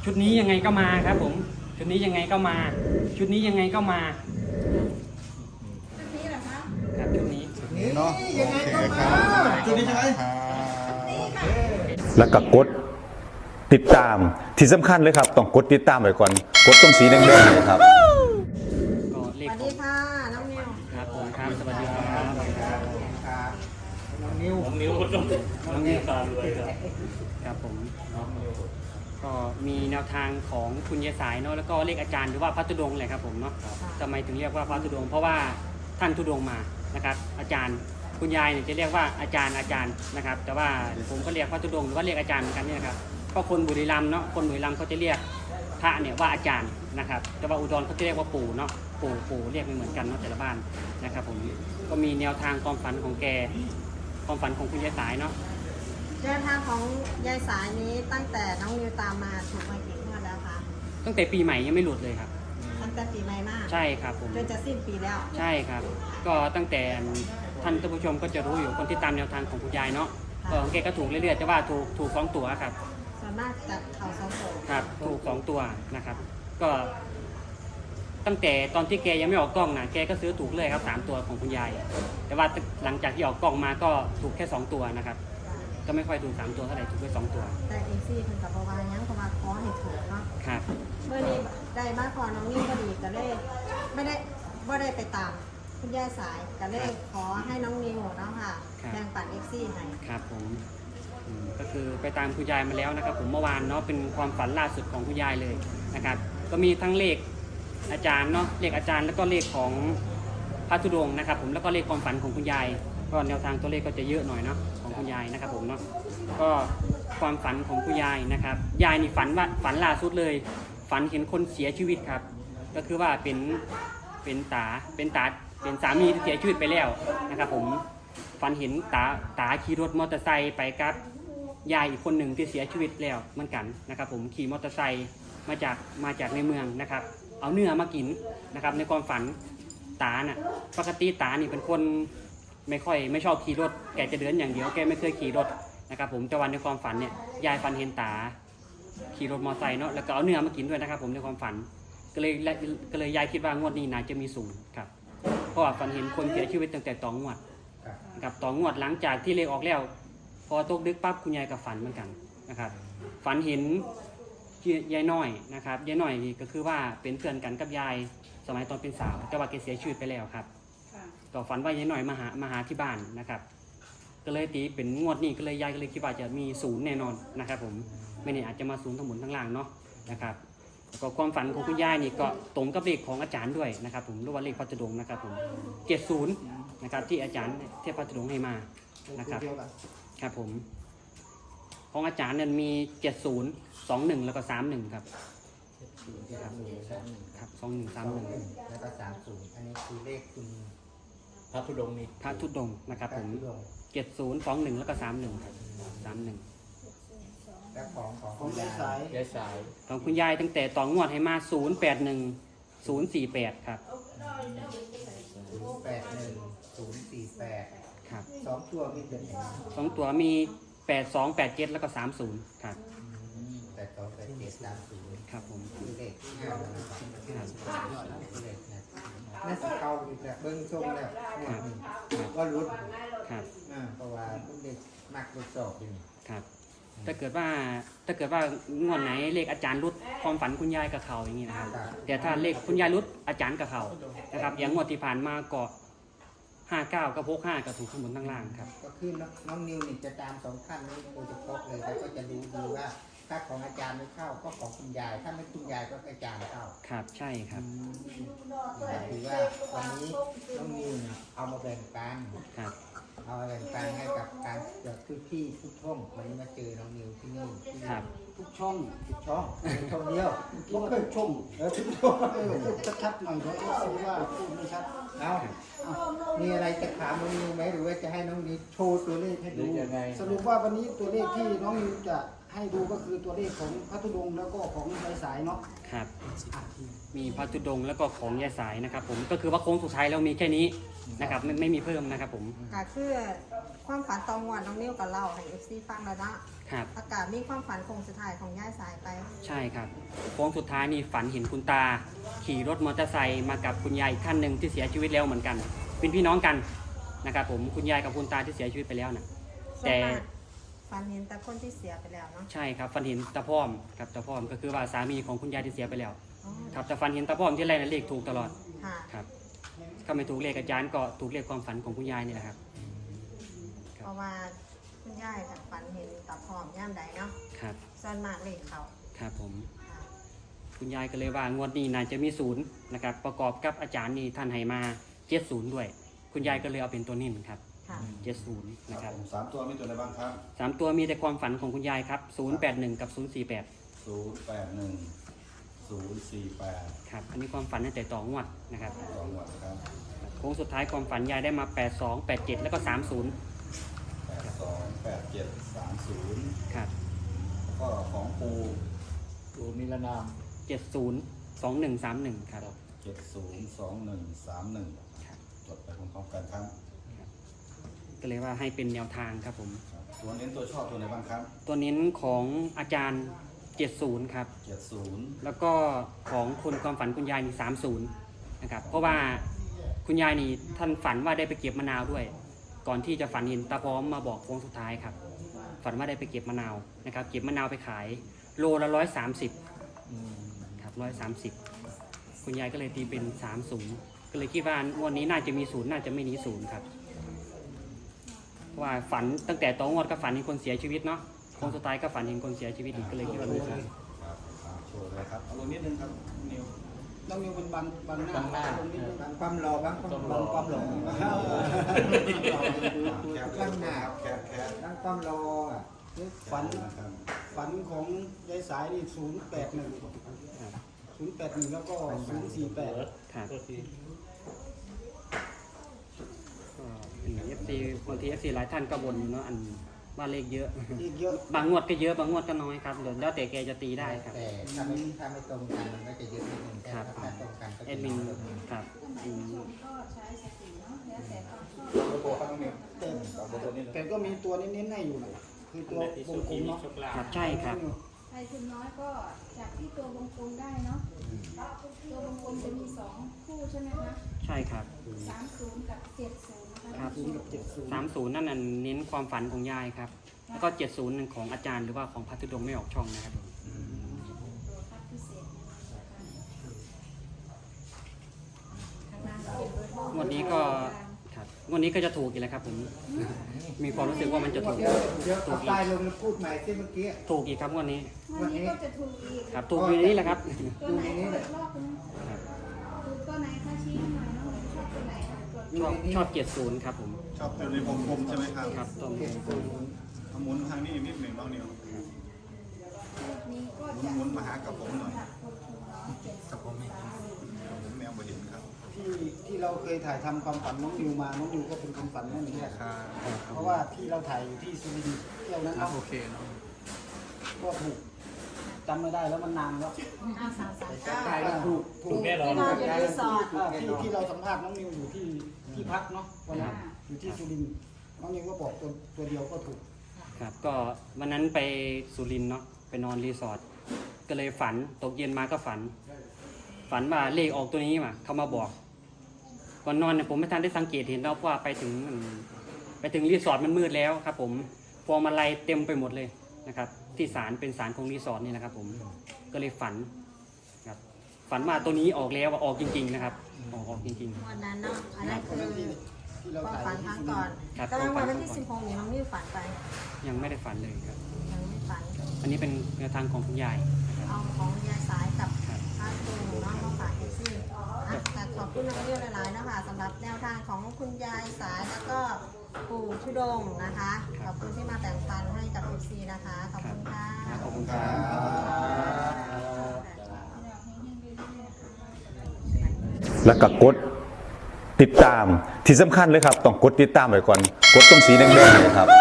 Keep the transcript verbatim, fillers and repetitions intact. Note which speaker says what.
Speaker 1: ชุดนี้ยังไงก็มาครับผมชุดนี้ยังไงก็มาชุดนี้ยังไงก็มา
Speaker 2: ชุดนี้เหรอคะ
Speaker 1: ครับชุดนี้
Speaker 3: นี่เนาะยังไงก็มาจุดนี้ใช่ไหม
Speaker 4: แล้วก็กดติดตามที่สำคัญเลยครับต้องกดติดตามไว้ก่อนกดตรงสีแดงๆเลยครับ
Speaker 1: ก็เล
Speaker 2: ส
Speaker 1: ข
Speaker 2: วัสดีค่ะน้องนิว
Speaker 1: ครับผมครับสวัสดีครับ
Speaker 3: ครับน้องนิว
Speaker 5: นิ้วต้องน้องนิ้วตาเลยครับ
Speaker 1: ครับผมก็มีแนวทางของคุณยายสายเนาะแล้วก็เลขอาจารย์หรือว่าพระธุดงค์แหละครับผมเนาะทำไมถึงเรียกว่าพระธุดงค์เพราะว่าท่านธุดงค์มานะครับ อาจารย์คุณยายเนี่ยจะเรียกว่าอาจารย์อาจารย์นะครับ แต่ว่าผมก็เรียกพระธุดงค์หรือว่าเรียกอาจารย์เหมือนกันนี่นะครับก็คนบุรีรัมย์เนาะคนบุรีรัมย์เขาจะเรียกพระเนี่ยว่าอาจารย์นะครับ แต่ว่าอุดรเขาจะเรียกว่าปู่เนาะปู่ปู่เรียกไม่เหมือนกันเนาะแต่ละบ้านนะครับผมก็มีแนวทางความฝันของแกความฝันของคุณยายสายเนาะ
Speaker 2: เดินทางของยายสายนี้ตั้งแต่น้องนิวตามมาถูกมากี่งวดแล้วคะ
Speaker 1: ตั้งแต่ปีใหม่ยังไม่หลุดเลยครับ
Speaker 2: ตั้งแต่ปีใหม่มาก
Speaker 1: ใช่ครับผม
Speaker 2: จนจะสิ้นปีแล้ว
Speaker 1: ใช่ครับ ก็ตั้งแต่ท่านผู้ชมก็จะรู้อยู่คนที่ตามแนวทางของคุณยายเนาะก็ของแกก็ถูกเรื่อยๆแต่ว่าถูกถูกสองตัวครับ
Speaker 2: ส่วนมากจะเข่าสองโผ
Speaker 1: ครับถูกสองตัวนะครับ ก็ ตั้งแต่ตอนที่แกยังไม่ออกกล้องนะแกก็ซื้อถูกเลยครับสามตัวของคุณยาย แต่ว่าหลังจากที่ออกกล้องมาก็ถูกแค่สองตัวนะครับ ก็ไม่ค่อยถูกสามตัวเท่าไหร่ถูกแค่สองตัว
Speaker 2: แต่เอซี่ถึงกับประวายังประวาขอให้ถูกเนาะ
Speaker 1: ครับ
Speaker 2: เมื่อนี้ได้บ้านพอน้องนิวก็ดีก็เลยไม่ได้ไม่ได้ไปตามคุณยายสายก็เลยขอให้น้องนิวเนาะค่ะแบ่งปันเอซี่ให้
Speaker 1: ครับผมอืมก็คือไปตามคุณยายมาแล้วนะครับ ผมเมื่อวานเนาะเป็นความฝันล่าสุดของคุณยายเลยนะครับ ก็มีทั้งเลขอาจารย์เนาะเลขอาจารย์แล้วก็เลขของพระธุดงค์นะครับ ผมแล้วก็เลขความฝันของคุณยายก็แนวทางตัวเลขก็จะเยอะหน่อยเนาะของคุณยายนะครับ ผมเนาะก็ความฝันของคุณยายนะครับ ยายนี่ฝันว่าฝันล่าสุดเลย ฝันเห็นคนเสียชีวิตครับ ก็คือว่าเป็นเป็นตาเป็นตาเป็นสามีที่เสียชีวิตไปแล้วนะครับ ผม ฝันเห็นตาตาขี่รถมอเตอร์ไซค์ไปกับยายอีกคนหนึ่งที่เสียชีวิตแล้วเหมือนกันนะครับ ผมขี่มอเตอร์ไซค์มาจากมาจากในเมืองนะครับ เอาเนื้อมากินนะครับ ในความฝันตาน่ะปกติตานี่เป็นคนไม่ค่อยไม่ชอบขี่รถแกจะเดินอย่างเดียวแกไม่เคยขี่รถนะครับ ผมแต่วันในความฝันเนี่ยยายฝันเห็นตาขี่รถมอเตอร์ไซค์เนาะแล้วก็เอาเนื้อมากินด้วยนะครับ ผมในความฝันก็เลยก็เลยยายคิดว่างวดนี้น่าจะมีสูงครับเพราะว่าฝันเห็นคนเสียชีวิตตั้งแต่ตองงวด กับต่องวดหลังจากที่เลขออกแล้ว พอตกดึกปั๊บคุณยายกับฝันเหมือนกันนะครับ ฝันเห็นยายน้อยนะครับยายน้อยนี่ก็คือว่าเป็นเพื่อนกันกับยายสมัยตอนเป็นสาวแต่ว่าแกเสียชีวิตไปแล้วครับก็ฝันว่ายายน้อยมาหามาหาที่บ้านนะครับ ก็เลยตีเป็นงวดนี้ก็เลยยายก็เลยคิดว่าจะมีศูนย์แน่นอนนะครับ ผมไม่แน่อาจจะมาศูนย์ทั้งหมดทั้งล่างเนาะนะครับก็ความฝันของคุณยายนี่ก็ตรงกับเลขของอาจารย์ด้วยนะครับ ผมหรือว่าเลขพระธุดงค์นะครับ ผมเจ็ดศูนย์นะครับที่อาจารย์เทพพระธุดงค์ให้มานะครับครับผมของอาจารย์เนี่ยมีเจ็ดศูนย์สองหนึ่งแล้วก็สามหนึ่งครับครับครับสองหนึ่งสามหนึ่ง
Speaker 3: แล้วก็สามศูนย์อันนี้คือเลขคุณ
Speaker 5: พระธุดงค์นี่
Speaker 1: พระธุดงค์นะครับ ผม
Speaker 3: พระธุดงค์
Speaker 1: เจ็ดศูนย์สองหนึ่งแล้วก็สามหนึ่งครับสามหนึ่ง
Speaker 3: และของของ
Speaker 6: ของ
Speaker 3: คุณ
Speaker 6: ยาย
Speaker 3: าย
Speaker 6: สาย
Speaker 5: ยายสาย
Speaker 1: ของคุณยายตั้งแต่ต่องวดให้มาศูนย์แปดหนึ่งศูนย์สี่แปดครับ
Speaker 3: แปดหนึ่งศูนย์สี่แปด
Speaker 1: ครับ
Speaker 3: สองตัวมีเป็นอย่างไร
Speaker 1: สองตัวมีแปดสองแปดเจ็ดแล้วก็สามศูนย์ครับ
Speaker 3: แปดสองแปดเจ็ดสามศูนย์
Speaker 1: ครับผม
Speaker 3: คือเลขที่ห้านะครับคือเลขนะน่าจะเข้าอีกแล้วเบิ้งส้มแล้วงวดนี้ก็รุด
Speaker 1: ครับ
Speaker 3: อ่าเพราะว่าพวกเด็กมักทดสอบอยู่นี่
Speaker 1: ครับถ้าเกิดว่าถ้าเกิดว่างวดไหนเลขอาจารย์รุดความฝันคุณยายกับเขาอย่างนี้นะครับแต่ถ้าเลขคุณยายรุดอาจารย์กับเขานะครับอย่างงวดที่ผ่านมาก็ห้าเก้ากับหกห้าก็ถูกทั้งบนทั้งล่างครับ
Speaker 3: ก็คือน้องน้องนิวนี่จะตามสองท่านนี้โดยเฉพาะเลยแล้วก็จะรู้ดีว่าถ้าของอาจารย์ไม่เข้าก็ของคุณยาย ถ้าไม่คุณยายก็อาจารย์เข้า
Speaker 1: ครับใช่ครับ
Speaker 3: ถือว่าวันนี้น้องนิวเนี่ยเอามาแบ่งปัน
Speaker 1: ครับ
Speaker 3: เอามาแบ่งปันให้กับการเกิดทุกที่ทุกช่องวันนี้มาเจอน้องนิวที่นี่ที่นี่
Speaker 1: ครับ
Speaker 6: ทุกช่อง
Speaker 3: ทุกช่องเป็นช่องเดียว
Speaker 6: คิดว่าทุกช่อง
Speaker 3: เออทุกช่อง
Speaker 6: เออพูดชัดๆหน่อยเพราะว่าซื้อว่าพูดไม่ชัด
Speaker 3: เอามีอะไรจะถามน้องนิวไหมหรือว่าจะให้น้องนิวโชว์ตัวเลขให้
Speaker 5: หรื
Speaker 3: ดู
Speaker 5: อยังไง
Speaker 6: สรุปว่าวันนี้ตัวเลขที่น้องนิวจะให้ดูก็คือตัวเลขของพระธุดงค์แล้วก็ของยายสายเนาะ
Speaker 1: ครับ มีพระธุดงค์แล้วก็ของยายสายนะครับ ผมก็คือว่าโค้งสุดท้ายเรามีแค่นี้นะครับไม่ไม่มีเพิ่มนะครับ ผม
Speaker 2: ก็คือความฝันตองวันน้องนิวกับเราให้เอฟซีฟังแล้วเนาะ
Speaker 1: ครับ
Speaker 2: อากาศมีความฝันคงสุดท้ายของย่าสายไป
Speaker 1: ใช่ช่ครับโค้งสุดท้ายนี่ฝันเห็นคุณตาขี่รถมอเตอร์ไซค์มากับคุณยายอีกท่านหนึ่งที่เสียชีวิตแล้วเหมือนกัน เป็นพี่น้องกันนะครับผมคุณยายกับคุณตาที่เสียชีวิตไปแล้วนะ
Speaker 2: ส่วน
Speaker 1: แต่
Speaker 2: มากฝันเห็นแต่คนที่เสียไปแล้วเนาะ
Speaker 1: ใช่ครับฝันเห็นตาพร้อมครับตาพร้อมก็คือว่าสามีของคุณยายที่เสียไปแล้ว
Speaker 2: อ๋อ
Speaker 1: ครับแต่ฝันเห็นตาพร้อมที่ไรนะเลขถูกตลอด
Speaker 2: ค่ะ
Speaker 1: ครับก็ไม่ถูกเลขอาจารย์ก็ถูกเลขความฝันของคุณยายนี่แหละครับ
Speaker 2: เพราะว่าคุณยายค่ะฝันเห็นตาพร้อมย่ามใดเนาะ
Speaker 1: ครับ
Speaker 2: ส่วนมากเลยเขา
Speaker 1: ครับผม
Speaker 2: ค่ะ
Speaker 1: คุณยายก็เลยว่างวดนี้น่าจะมีศูนย์นะครับประกอบกับอาจารย์นี่ท่านให้มาเจ็ดศูนย์ด้วย คุณยายก็เลยเอาเป็นตัวนิ่ครับ
Speaker 2: ค่ะ
Speaker 1: เจ็ดศูนย์นะครับ
Speaker 4: สามตัวมีตัวอะไรบ้างครับ
Speaker 1: สามตัวมีแต่ความฝันของคุณยายครับศูนย์แปดหนึ่งกับศูนย์สี่แปด
Speaker 4: ศูนย์แปดหนึ่งศูนย์สี่แปด
Speaker 1: ครับอันนี้ความฝันตั้งแต่ต่องวดนะครับ
Speaker 4: สองหมวดครับ
Speaker 1: โค้งสุดท้ายความฝันยายได้มาแปดสอง แปดเจ็ดแล้วก็สามศูนย์
Speaker 4: แปดสองแปดเจ็ดสามศูนย์
Speaker 1: ครับ
Speaker 4: แล้วก็ของปู
Speaker 5: ตัวนิรนาม
Speaker 1: เจ็ดศูนย์ สองหนึ่งสามหนึ่งครับ
Speaker 4: เจ็ดศูนย์สองหนึ่งสามหนึ่งจดไปพร้อมๆกันครับ
Speaker 1: ก็เลยว่าให้เป็นแนวทางครับผม
Speaker 4: ครับตัวเน้นตัวชอบตัวไหนบ้างครับ
Speaker 1: ตัวเน้นของอาจารย์เจ็ดศูนย์ครับ
Speaker 4: เจ็ดศูนย์
Speaker 1: แล้วก็ของคนความฝันคุณยายมีสามศูนย์นะครับเพราะว่าคุณยายนี่ท่านฝันว่าได้ไปเก็บมะนาวด้วย ก่อนที่จะฝันเห็นตาพร้อมมาบอกโค้งสุดท้ายครับ ฝันว่าได้ไปเก็บมะนาวนะครับ เก็บมะนาวไปขายโลละร้อยสามสิบครับร้อยสามสิบคุณยายก็เลยตีเป็นสามศูนย์ก็เลยคิดว่างวดนี้น่าจะมีศูนย์น่าจะไม่หนีศูนย์ครับเพราะว่าฝันตั้งแต่ตอนงวดก็ฝันเห็นคนเสียชีวิตเนาะโค้งสุดท้ายก็ฝันเห็นคนเสียชีวิตอีกก็เลยคิดว่ามีศูนย์
Speaker 4: ครับอ่าโชว์เลยครับเอาลงนิดนึงครับนิว
Speaker 6: น้องนิวเป็นบังบังหน้า
Speaker 5: บังหน้า
Speaker 6: ตรงนี้ด้วย
Speaker 3: บางความรอบางความ
Speaker 5: ต้อง
Speaker 3: ร
Speaker 5: ร
Speaker 3: อ
Speaker 5: อ
Speaker 3: ความหลง
Speaker 4: แคป
Speaker 3: ข้างหน้า
Speaker 4: แคปแคป
Speaker 3: บางความรออ่ะ
Speaker 6: ฝัน
Speaker 4: นะครับ
Speaker 6: ฝันของยายสายนี่ศูนย์แปดหนึ่งศูนย์แปดหนึ่งแล้วก็ศูนย์สี่แปด
Speaker 1: ครับ
Speaker 5: ก็ที
Speaker 1: ก็เอฟซีบางทีเอฟซีหลายท่านก็บ่นเนาะอันว่าเลขเยอะ
Speaker 6: อีกเยอะ
Speaker 1: บางงวดก็เยอะบางงวดก็น้อยครับแล้วแต่แกจะตีได้ครับ
Speaker 3: แต่ถ้าไม่ถ้าไม่ตรงกันมันก็จะเยอะนิดนึงแต่
Speaker 1: ครับ
Speaker 3: ถ้าตรงกันก็
Speaker 1: แอ
Speaker 3: จะ
Speaker 1: ดมิน
Speaker 3: น้อยลง
Speaker 1: ครับอืม
Speaker 4: โบครับน้องนิว
Speaker 6: แต่
Speaker 4: ตอบตัวนี้เลย
Speaker 6: แต่ก็มีตัวเน้นๆให้อยู่นะคือตัววงกลมเนาะ
Speaker 1: ครับใช่ครับ
Speaker 7: ใครทุนน้อยก็จากที่ตัววงกลมได้เนาะตัววงกลมจะมีสองคู่ใช่ไหมคะ
Speaker 1: ใช่ครับ
Speaker 7: สามศูนย์กับเจ็ดศูนย์นะคะ
Speaker 1: ครับ
Speaker 6: ศูนย์กับเจ็ดศูนย์
Speaker 1: สามศูนย์นั่นน่ะเน้นความฝันของยายครับ แล้วก็เจ็ดศูนย์ของอาจารย์หรือว่าของพัทธุดงค์ไม่ออกช่องนะครับ
Speaker 7: ตัวพัดพิเศษข้างล่างก็เป็นเบอร์โทรง
Speaker 1: วดนี้ก็ครับงวดนี้ก็จะถูกอีกแล้วครับผมมีความรู้สึกว่ามันจะถูก
Speaker 3: เดี๋ยวเดี๋ยวเอาป้ายลงแล้วพูดใหม่ที่เมื่อกี้
Speaker 1: ถูกอีกครับงวดนี้
Speaker 7: วันนี้ก็จะถูกอีก
Speaker 1: ครับถูกอยู่ในนี้แหละครับ
Speaker 7: ตัวไหน
Speaker 3: ดูในนี้
Speaker 7: ก็
Speaker 3: เลย
Speaker 7: รอบนึง
Speaker 1: ครับ
Speaker 7: ถูกตัวไหนคะชี้หน่อยน้องชอบตัวไหนคะตัว
Speaker 1: ชอบชอบเจ็ดศูนย์ครับผม
Speaker 8: ชอบตัวในวงกลมใช่ไหมครับ
Speaker 1: ครับต้ม
Speaker 8: เอาหมุนทางนี้นิดหนึ่งน้องนิว
Speaker 7: นี้ก็
Speaker 8: หมุน
Speaker 7: จะ
Speaker 8: หมุนมาหากับผมหน่อย
Speaker 7: คนทุนน้อยเจ็ดสิบ
Speaker 8: ผมแมวบ่เห็นครับ
Speaker 6: ที่ที่เราเคยถ่ายทำความฝันน้องนิวมาน้องนิวก็เป็นความฝันนั่นนี่แหละเพราะว่าที่เราถ่ายอยู่ที่สุรินทร์เที่ยวนั้นเนาะ
Speaker 8: โอเคเนาะ
Speaker 6: ก็ถูกจำไม่ได้แล้วมันนานแล้ว
Speaker 2: ห้าสามสามเก้า
Speaker 3: ได้แล้วถูก
Speaker 6: ถู
Speaker 3: ถู
Speaker 6: ก
Speaker 3: ก
Speaker 5: แน่นอน
Speaker 2: ที่นอนอยู่รีสอร์ท
Speaker 6: อ่าที่ที่เราสัมภาษณ์น้องนิวอยู่ที่ที่พักเนาะวันนั้นอยู่ที่สุรินทร์น้องนิวก็บอกตัวตัวเดียวก็ถูก
Speaker 1: ครับก็วันนั้นไปสุรินทร์เนาะไปนอนรีสอร์ทก็เลยฝันตกเย็นมาก็ฝัน ฝันว่าเลขออกตัวนี้มาเขามาบอกก่อนนอนเนี่ยผมไม่ทันได้สังเกตเห็นแล้วเพราะว่าไปถึงมันไปถึงรีสอร์ทมันมืดแล้วครับ ผมพวงมาลัยเต็มไปหมดเลยนะครับ ที่ศาลเป็นศาลของรีสอร์ทนี่นะครับ ผมก็เลยฝันครับฝันว่าตัวนี้ออกแล้วว่าออกจริง ๆ นะครับออกออกจริง
Speaker 2: วันนั้นเนาะอันนั้น
Speaker 6: วั
Speaker 2: คื
Speaker 6: น
Speaker 2: อ
Speaker 6: นั้นที่ที่เรา
Speaker 2: ความ
Speaker 6: ถ่าย
Speaker 2: ฝัน
Speaker 6: อยู่
Speaker 2: ครั้
Speaker 6: ที่
Speaker 2: ง
Speaker 6: สุริ
Speaker 2: ก่อน
Speaker 6: นทร์
Speaker 1: ครับ
Speaker 2: แต่ว่าวันที่สิบหกนี่น้องนิ้วฝันไป
Speaker 1: ๆ ยังไม่ได้ฝันเลยครับ
Speaker 2: ยังไม่ฝัน
Speaker 1: อันนี้เป็นแนวทางของคุณยายนะครับ
Speaker 2: เอาของยายสายกับ
Speaker 1: ครับ
Speaker 2: พาตูเนาะมาฝากเอซี่อ่ะแต่ขอบคุณน้องนิ้วหลายๆนะคะสำหรับแนวทางของคุณยายสายแล้วก็ปู่ชุดงค์นะคะ ขอบคุณที่มาแบ่งปันให้กับเอซีนะคะ ขอบคุณค่ะ
Speaker 1: ขอบคุณครับ
Speaker 4: แล้วก็กดติดตามที่สำคัญเลยครับ ต้องกดติดตามไว้ก่อน กดตรงสีแดงๆเลยครับ